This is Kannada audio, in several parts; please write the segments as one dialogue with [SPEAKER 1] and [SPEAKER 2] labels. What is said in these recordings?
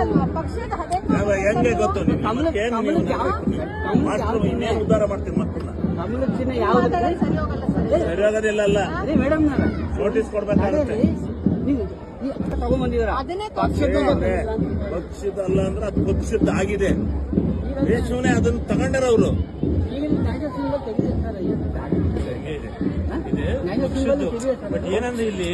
[SPEAKER 1] ಪಕ್ಷದ
[SPEAKER 2] ಹೆಂಗೆ ಗೊತ್ತು ಮಾಸ್ಟರ್ ಇನ್ನೇನು ಉದ್ಧಾರ ಮಾಡ್ತೀವಿ ಮಕ್ಕಳನ್ನ
[SPEAKER 3] ಕಮಲದ ಚಿಹ್ನೆ ಯಾವ್ದು
[SPEAKER 2] ಸರಿ ಹೋಗೋದಿಲ್ಲ ಅಲ್ಲ
[SPEAKER 3] ಮೇಡಮ್
[SPEAKER 2] ನೋಟಿಸ್ ಕೊಡ್ಬೇಕಾಗುತ್ತೆ
[SPEAKER 3] ತಗೊಂಡ್ಬಂದಿದಾರ
[SPEAKER 2] ಪಕ್ಷದಲ್ಲ ಅಂದ್ರೆ ಅದು ಪಕ್ಷದ ಆಗಿದೆ ದೇಶವನ್ನೇ ಅದನ್ನ ತಗೊಂಡಾರ ಅವರು ಬಟ್ ಏನಂದ್ರೆ ಇಲ್ಲಿ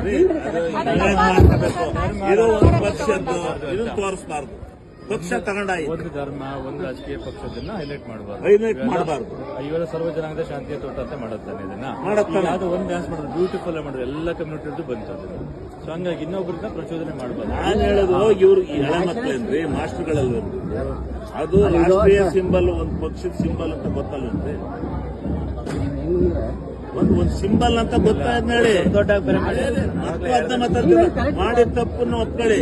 [SPEAKER 2] ಇದು ಒಂದು ಪಕ್ಷದ್ದು ಇದನ್ನ ತೋರಿಸಬಾರ್ದು ಪಕ್ಷ ತಗೊಂಡಾಯ್ತು
[SPEAKER 4] ಒಂದು ಧರ್ಮ ಒಂದು ರಾಜಕೀಯ ಪಕ್ಷದನ್ನ ಹೈಲೈಟ್
[SPEAKER 2] ಮಾಡಬಾರ್ದು
[SPEAKER 4] ಇವೆಲ್ಲ ಸರ್ವ ಜನಾಂಗದ ಶಾಂತಿಯ ತೋಟ ಅಂತ ಮಾಡುತ್ತಾನೆ ಇದನ್ನ
[SPEAKER 2] ಮಾಡುತ್ತಾನೆ
[SPEAKER 4] ಅದು ಒಂದು ಡ್ಯಾನ್ಸ್ ಮಾಡೋದು ಬ್ಯೂಟಿಫುಲ್ ಮಾಡೋದು ಎಲ್ಲ ಕಮ್ಯುನಿಟಿ ಬಂತು ಅದನ್ನ ಸೊ ಹಂಗಾಗಿ ಇನ್ನೊಬ್ಬರನ್ನ ಪ್ರಚೋದನೆ ಮಾಡಬಾರ್ದು
[SPEAKER 2] ನಾನು ಹೇಳೋದು ಇವ್ರು ಈ ಎಳೆ ಮಕ್ಕಳೇನ್ರಿ ಮಾಸ್ಟರ್ಗಳಲ್ಲಿ ಅದು ರಾಷ್ಟ್ರೀಯ ಸಿಂಬಲ್ ಒಂದು ಪಕ್ಷದ ಸಿಂಬಲ್ ಅಂತ ಗೊತ್ತಲ್ವೇನ್ರಿ ಒಂದು ಸಿಂಬಲ್ ಅಂತ ಗೊತ್ತಾದ್ಮೇಲೆ
[SPEAKER 4] ದೊಡ್ಡ
[SPEAKER 2] ಮಾಡಿದ ತಪ್ಪನ್ನು ಒಪ್ಕೊಳ್ಳಿ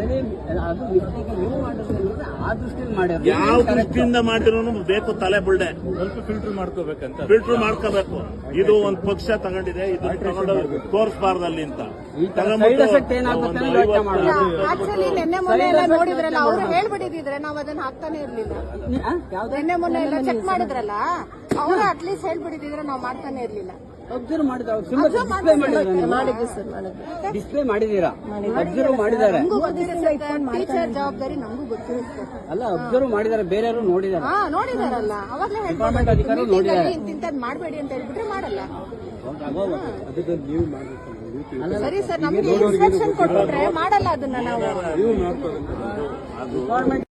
[SPEAKER 2] ಯಾವ ದೃಷ್ಟಿಯಿಂದ ಮಾಡಿರೋನು ಬೇಕು ತಲೆ ಬುಲ್ಡೆ
[SPEAKER 4] ಸ್ವಲ್ಪ ಫಿಲ್ಟರ್ ಮಾಡ್ಕೋಬೇಕಂತ
[SPEAKER 2] ಫಿಲ್ಟರ್ ಮಾಡ್ಕೋಬೇಕು ಇದು ಒಂದು ಪಕ್ಷ ತಗೊಂಡಿದೆ ಇದು ತಗೊಂಡು ತೋರಿಸಬಾರ್ದು ಅಲ್ಲಿ ಅಂತ
[SPEAKER 1] ಆಕ್ಚುಲಿ ನಿನ್ನೆ ಮೊನ್ನೆ ಎಲ್ಲ ನೋಡಿದ್ರಲ್ಲ ಅವ್ರು ಹೇಳ್ಬಿಟ್ಟಿದ್ರೆ ನಾವ್ ಅದನ್ನ ಹಾಕ್ತಾನೆ ಇರ್ಲಿಲ್ಲ. ನಿನ್ನೆ ಮೊನ್ನೆ ಎಲ್ಲ ಚೆಕ್ ಮಾಡಿದ್ರಲ್ಲ ಅವ್ರು ಅಟ್ಲೀಸ್ಟ್ ಹೇಳ್ಬಿಟ್ಟಿದ್ರೆ ನಾವ್ ಮಾಡ್ತಾನೆ ಇರ್ಲಿಲ್ಲ.
[SPEAKER 3] ಅಬ್ಸರ್ವ್ ಡಿಸ್ಪ್ಲೇ ಮಾಡಿದೀರಾ ಅಬ್ಸರ್ವ್ ಮಾಡಿದ್ದಾರೆ
[SPEAKER 1] ಟೀಚರ್ ಜವಾಬ್ದಾರಿ ನಮಗೂ ಗೊತ್ತಿರುತ್ತೆ
[SPEAKER 3] ಅಲ್ಲ ಅಬ್ಸರ್ವ್ ಮಾಡಿದ್ದಾರೆ ಬೇರೆಯವರು ನೋಡಿದ್ದಾರೆ
[SPEAKER 1] ನೋಡಿದಾರಲ್ಲ ಅವಾಗಲೇ
[SPEAKER 3] ಡಿಪಾರ್ಟ್ಮೆಂಟ್ ಅಧಿಕಾರಿ ನೋಡಿದ್ದಾರೆ
[SPEAKER 1] ಇಂಥದ್ದು ಮಾಡಬೇಡಿ ಅಂತ ಹೇಳ್ಬಿಟ್ರೆ ಮಾಡಲ್ಲ. ಸರಿ ಸರ್ ನಮ್ಗೆ ಇನ್ಸ್ಟ್ರಕ್ಷನ್ ಕೊಟ್ಬಿಟ್ರೆ ಮಾಡಲ್ಲ ಅದನ್ನ ನಾವು.